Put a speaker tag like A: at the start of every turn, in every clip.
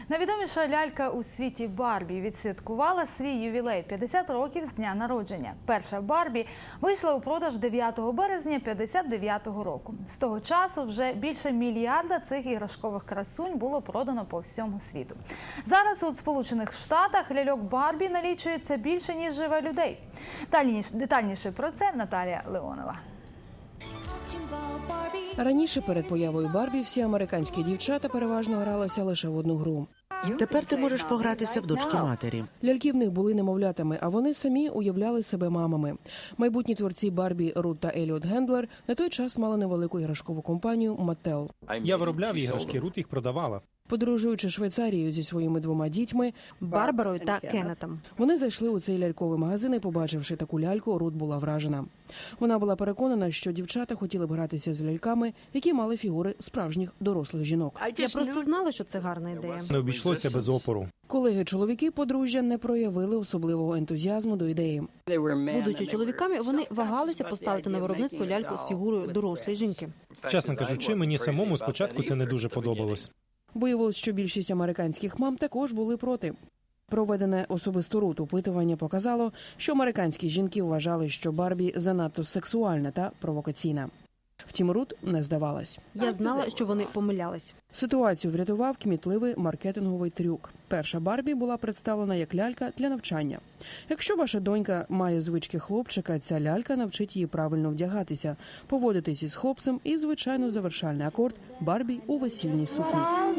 A: Найвідоміша лялька у світі Барбі відсвяткувала свій ювілей – 50 років з дня народження. Перша Барбі вийшла у продаж 9 березня 59-го року. З того часу вже більше мільярда цих іграшкових красунь було продано по всьому світу. Зараз у Сполучених Штатах ляльок Барбі налічується більше, ніж живе людей. Детальніше про це Наталія Леонова.
B: Раніше перед появою Барбі всі американські дівчата переважно гралися лише в одну гру.
C: Тепер ти можеш погратися в дочки матері.
B: Ляльки в них були немовлятами, а вони самі уявляли себе мамами. Майбутні творці Барбі Рут та Еліот Гендлер на той час мали невелику іграшкову компанію Mattel.
D: Я виробляв іграшки, Рут їх продавала.
B: Подорожуючи Швейцарією зі своїми 2 дітьми –
E: Барбарою та Кеннетом.
B: вони зайшли у цей ляльковий магазин і, побачивши таку ляльку, Рут була вражена. Вона була переконана, що дівчата хотіли б гратися з ляльками, які мали фігури справжніх дорослих жінок.
E: Я просто знала, що це гарна ідея.
D: Не обійшлося без опору.
B: Колеги-чоловіки подружжя не проявили особливого ентузіазму до ідеї.
E: Будучи чоловіками, вони вагалися поставити на виробництво ляльку з фігурою дорослої жінки.
D: Чесно кажучи, мені самому спочатку це не дуже подобалось.
B: Виявилось, що більшість американських мам також були проти. Проведене особисто Рут опитування показало, що американські жінки вважали, що Барбі занадто сексуальна та провокаційна. Втім, Рут не здавалась.
E: Я знала, що вони помилялись.
B: Ситуацію врятував кмітливий маркетинговий трюк. Перша Барбі була представлена як лялька для навчання. Якщо ваша донька має звички хлопчика, ця лялька навчить її правильно вдягатися, поводитись із хлопцем і, звичайно, завершальний акорд – Барбі у весільній сукні.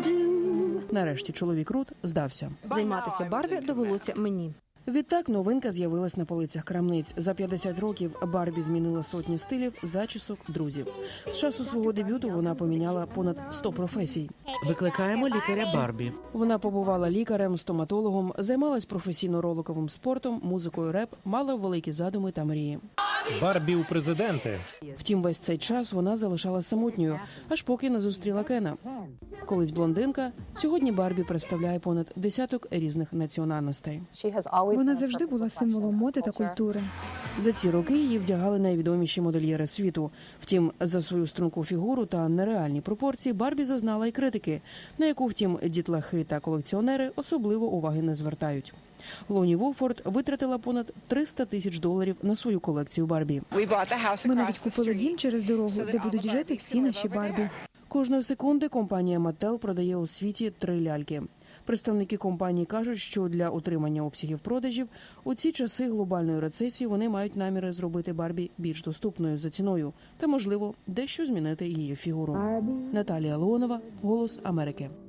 B: Нарешті чоловік Рут здався.
E: Займатися Барбі довелося мені.
B: Відтак новинка з'явилась на полицях крамниць. За 50 років Барбі змінила сотні стилів, зачісок, друзів. З часу свого дебюту вона поміняла понад 100 професій.
C: Викликаємо лікаря Барбі.
B: Вона побувала лікарем, стоматологом, займалась професійно роликовим спортом, музикою реп, мала великі задуми та мрії.
D: Барбі у президенти.
B: Втім, весь цей час вона залишалась самотньою, аж поки не зустріла Кена. Колись блондинка, сьогодні Барбі представляє понад десяток різних національностей.
F: Вона завжди була символом моди та культури.
B: За ці роки її вдягали найвідоміші модельєри світу. Втім, за свою струнку фігуру та нереальні пропорції Барбі зазнала й критики, на яку, втім, дітлахи та колекціонери особливо уваги не звертають. Лоні Вулфорд витратила понад $300 000 на свою колекцію Барбі.
F: Ми навіть купили дім через дорогу, де будуть жити всі наші Барбі.
B: Кожної секунди компанія Mattel продає у світі 3 ляльки. Представники компанії кажуть, що для утримання обсягів продажів у ці часи глобальної рецесії вони мають наміри зробити Барбі більш доступною за ціною та, можливо, дещо змінити її фігуру. Наталія Леонова, «Голос Америки».